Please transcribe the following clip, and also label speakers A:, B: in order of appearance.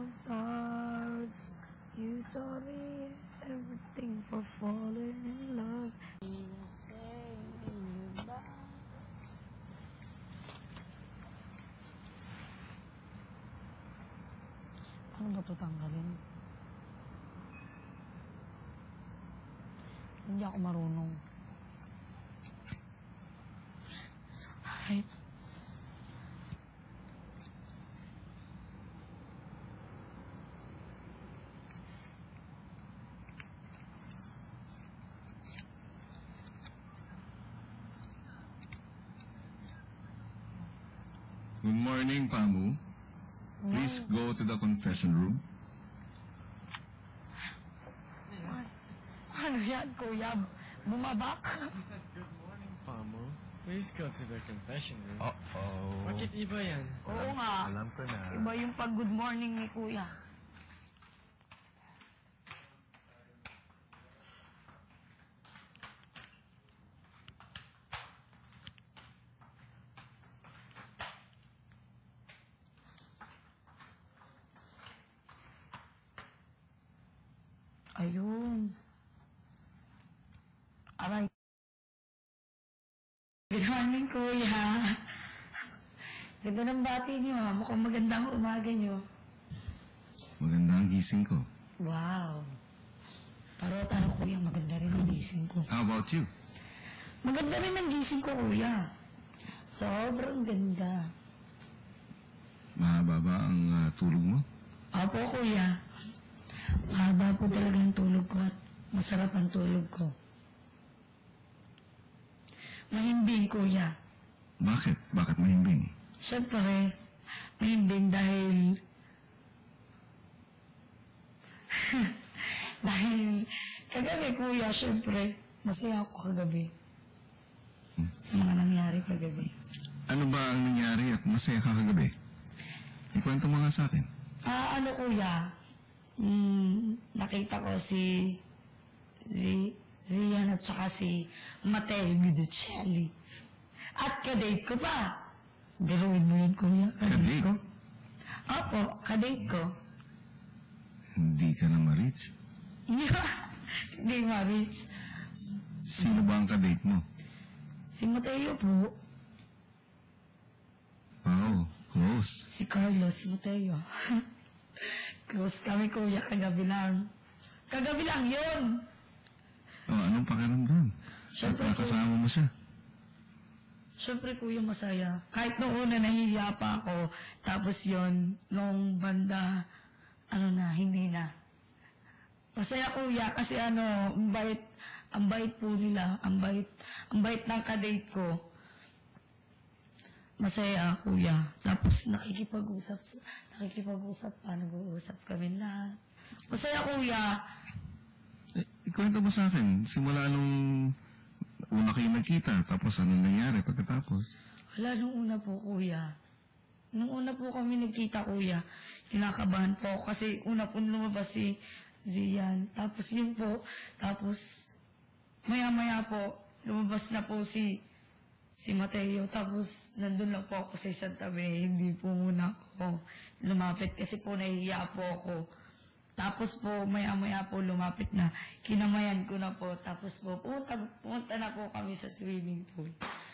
A: stars. You taught me everything for falling in love. Ano ba ito tanggalin? Hindi ako marunong. Alright.
B: Good morning, Pamu. Please go to the confession room.
A: Ano yan, kuya? Bumabak?
C: Good morning, Pamu. Please go to the confession room.
B: Uh-oh.
C: Bakit iba yan?
A: Oo nga.
B: Alam ko na.
A: Iba yung pag-good morning ni kuya. Ayun. Aray. Good morning, kuya. Ganda ng bati niyo, ha? Mukhang maganda ang umaga niyo.
B: Maganda ang gising ko.
A: Wow. Parota ako, kuya. Maganda rin ang gising ko.
B: How about you?
A: Maganda rin ang gising ko, kuya. Sobrang ganda.
B: Mahaba ba ang tulog mo?
A: Opo, kuya. Mahaba po talaga ang tulog ko at masarap ang tulog ko. Mahimbing, kuya.
B: Bakit? Bakit mahimbing?
A: Siyempre, mahimbing dahil... dahil kagabi, kuya, siyempre, masaya ako kagabi. Sa mga nangyari kagabi.
B: Ano ba ang nangyari at masaya ka kagabi? Ikwento mo nga sa akin.
A: Ano, kuya? Nakita ko si Zian at saka si Matteo Guiducelli. At kadate ko pa. Biruin mo yun, kuya. Kadate ko. Opo, kadate ko.
B: Hindi ka na ma-reach.
A: Hindi ma-reach.
B: Sino ba ang kadate mo?
A: Si Matteo po.
B: Wow, close.
A: Si Carlos Matteo. Close kami, kuya, kagabi lang. Kagabi lang yun!
B: Anong pakiramdam?
A: Siyempre,
B: Nakasama mo siya.
A: Siyempre, kuya, masaya. Kahit nung una, nahihiya pa ako. Tapos yon nung banda, hindi na. Masaya, kuya, kasi ang bait po nila, ang bait ng kadate ko. Masaya, kuya. Tapos nakikipag-usap pa, nag-uusap kami lahat. Masaya, kuya.
B: Ikwento mo sa akin, simula nung una kayo nagkita, tapos ano nangyari pagkatapos?
A: Wala, nung una po, kuya. Nung una po kami nagkita, kuya, kinakabahan po ako kasi una po lumabas si Zian. Tapos yun po, tapos maya-maya po, lumabas na po si Matteo. Tapos nandun lang po ako sa isang tabi. Hindi po muna ako lumapit kasi po nahihiya po ako. Tapos po, maya-maya po lumapit na. Kinamayan ko na po. Tapos po, pumunta na po kami sa swimming pool.